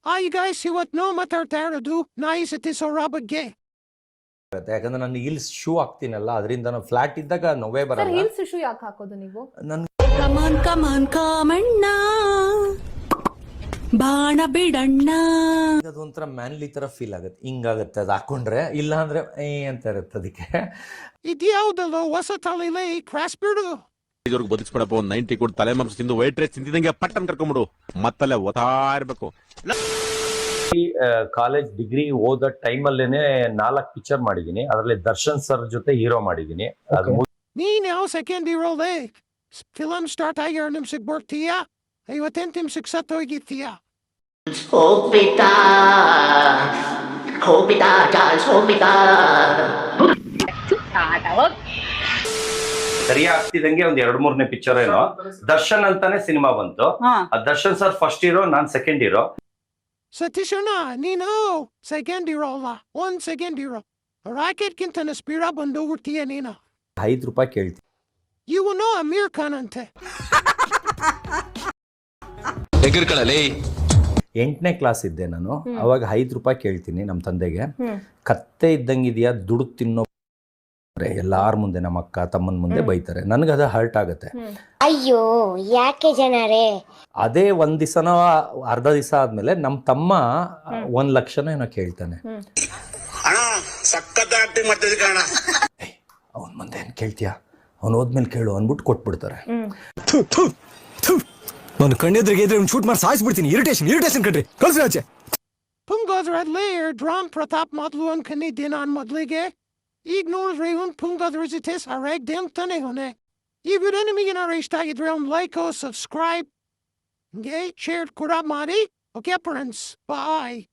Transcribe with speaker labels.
Speaker 1: You guys ಇವತ್ತು ನಾವು ಮಾತಾಡ್ತಾ ಇರೋದು ನಾಯಿ ಸತ್ತಿಸೋರ ಬಗ್ಗೆ.
Speaker 2: ಯಾಕಂದ್ರೆ ನಾನು ಹೀಲ್ಸ್ ಶೂ ಹಾಕ್ತೀನಲ್ಲ, ಅದರಿಂದ ನಾನು ಫ್ಲಾಟ್ ಇದ್ದಾಗ ನೋವೇ
Speaker 3: ಸರ್
Speaker 2: ಬರಲ್ಲ.
Speaker 3: ಹೀಲ್ಸ್ ಶೂ ಯಾಕೆ ಹಾಕೋದು ನೀವು?
Speaker 2: ನನ್
Speaker 4: ಕಮಾನ್ ಕಮಾನ್ ಕಾಮಣ್ಣ ಬಾಣ ಬಿಡಣ್ಣ,
Speaker 2: ಅದೊಂಥರ ಮ್ಯಾನ್ಲಿ ತರ ಫೀಲ್ ಆಗುತ್ತೆ, ಹಿಂಗಾಗುತ್ತೆ ಅದು ಹಾಕೊಂಡ್ರೆ. ಇಲ್ಲ ಅಂದ್ರೆ ಅಂತ ಇರುತ್ತೆ. ಅದಕ್ಕೆ
Speaker 1: ಇದ್ಯಾವುದಲ್ಲೋ ಹೊಸ ತಲೆಲೇ ಕ್ರಾಸ್ ಬಿಡು.
Speaker 5: ಇದ್ರಿಗೆ ಬದುಕಿಸ್ಬಿಡಪ್ಪ, ಒಂದು 90 ಕೊಟ್ಟು ತಲೆ ಮಾಂಸ ತಿಂದು ವೈಟ್ ರೈಸ್ ತಿಂದಿದಂಗೆ ಪಟ್ಟನ್ ಕರ್ಕೊಂಬಿಡು, ಮತ್ತಲ್ಲೇ ಓದ್ತಾ ಇರ್ಬೇಕು.
Speaker 6: ಕಾಲೇಜ್ ಡಿಗ್ರಿ ಓದೋ ಟೈಮಲ್ಲೇನೆ 4 ಪಿಕ್ಚರ್ ಮಾಡಿದೀನಿ. ಅದರಲ್ಲಿ ದರ್ಶನ್ ಸರ್ ಜೊತೆ ಹೀರೋ ಮಾಡಿದೀನಿ.
Speaker 1: ನೀನ್ ಯಾವ ಸೆಕೆಂಡ್ ಇರೋದೇ ಫಿಲಮ್ ಸ್ಟಾರ್ಟ್ ಆಗಿ 2 ನಿಮಿಷಕ್ಕೆ ಬರ್ತೀಯಾ, 58 ನಿಮಿಷಕ್ಕೆ ಸತ್ತೋಗಿರ್ತೀಯಾ?
Speaker 7: ಹೋಗ್ಬಿಟ್ಟಾ
Speaker 6: ಸರಿ ಆಗ್ತಿದಂಗೆ ಒಂದ್ 2-3ನೇ ಪಿಕ್ಚರ್ ಏನೋ ದರ್ಶನ್ ಅಂತಾನೆ ಸಿನಿಮಾ ಬಂತು. ದರ್ಶನ್ ಸರ್ ಫಸ್ಟ್ ಹೀರೋ, ನಾನ್ ಸೆಕೆಂಡ್ ಹೀರೋ.
Speaker 1: ಸತೀಶಣ್ಣ ನೀನು ಸೆಕೆಂಡ್ ಹೀರೋ ಅಲ್ಲ, 1 ಸೆಕೆಂಡ್ ಹೀರೋ. ರಾಕೆಟ್ ಗಿಂತ ಸ್ಪೀಡ ಬಂದು ಹೋಗ್ತೀಯ ನೀನು.
Speaker 2: ₹5 ಕೇಳ್ತೀನಿ.
Speaker 1: ಇವನು ಅಮೀರ್ ಖಾನ್ ಅಂತೆ.
Speaker 2: 8ನೇ ಕ್ಲಾಸ್ ಇದ್ದೆ ನಾನು. ಅವಾಗ ₹5 ಕೇಳ್ತೀನಿ ನಮ್ಮ ತಂದೆಗೆ. ಕತ್ತೆ ಇದ್ದಂಗಿದ್ಯಾ ದುಡ್ಡು ತಿನ್ನೋ ಎಲ್ಲಾರ ಮುಂದೆ, ನಮ್ಮ ಅಕ್ಕ ತಮ್ಮನ ಮುಂದೆ ಬೈತಾರೆ. ನನಗದ ಹರ್ಟ್ ಆಗುತ್ತೆ.
Speaker 8: ಅಯ್ಯೋ ಯಾಕೆ ಜನರೇ.
Speaker 2: ಅದೇ ಒಂದ್ ದಿವಸನೋ ಅರ್ಧ ದಿವಸ ಆದ್ಮೇಲೆ ನಮ್ಮ ತಮ್ಮ 1 ಲಕ್ಷನೋ ಏನೋ ಕೇಳ್ತಾನೆ. ಅವನ್ ಮುಂದೆ ಏನ್ ಕೇಳ್ತೀಯಾ, ಅವ್ನು ಹೋದ್ಮೇಲೆ ಕೇಳು ಅಂದ್ಬಿಟ್ಟು ಕೊಟ್ಬಿಡ್ತಾರೆ.
Speaker 9: ನಾನು ಕಣ್ಣೆದ್ರಿಗೆ ಇದ್ರೆ ಶೂಟ್ ಮಾಡಿ ಸಾಯಿಸ್ಬಿಡ್ತೀನಿ. ಇರಿಟೇಷನ್ ಕಣ್ರಿ, ಕಳ್ಸಿ ಆಚೆ.
Speaker 1: ಪುಂಗೋದ್ರಲ್ಲೇ ಡ್ರಾಮ್ ಪ್ರತಾಪ್ ಮೊದಲು ಅನ್ಕೊಂಡಿದ್ದೆ ನಾನು ಮೊದಲಿಗೆ. ಈಗ ನೋಡಿದ್ರೆ ಇವನು ಪುಂಗೋದ್ರ ಜೊತೆ ಸರಿಯಾಗಿ ಅಂತಾನೆ ಅವನೇ. ಈ ವಿಡಿಯೋ ನಿಮಗೆ ಏನಾದ್ರು ಇಷ್ಟ ಆಗಿದ್ರೆ ಒಂದು ಲೈಕ್ ಸಬ್ಸ್ಕ್ರೈಬ್ ಶೇರ್ ಕೂಡ ಮಾಡಿ. ಓಕೆ ಫ್ರೆಂಡ್ಸ್, ಬಾಯ್.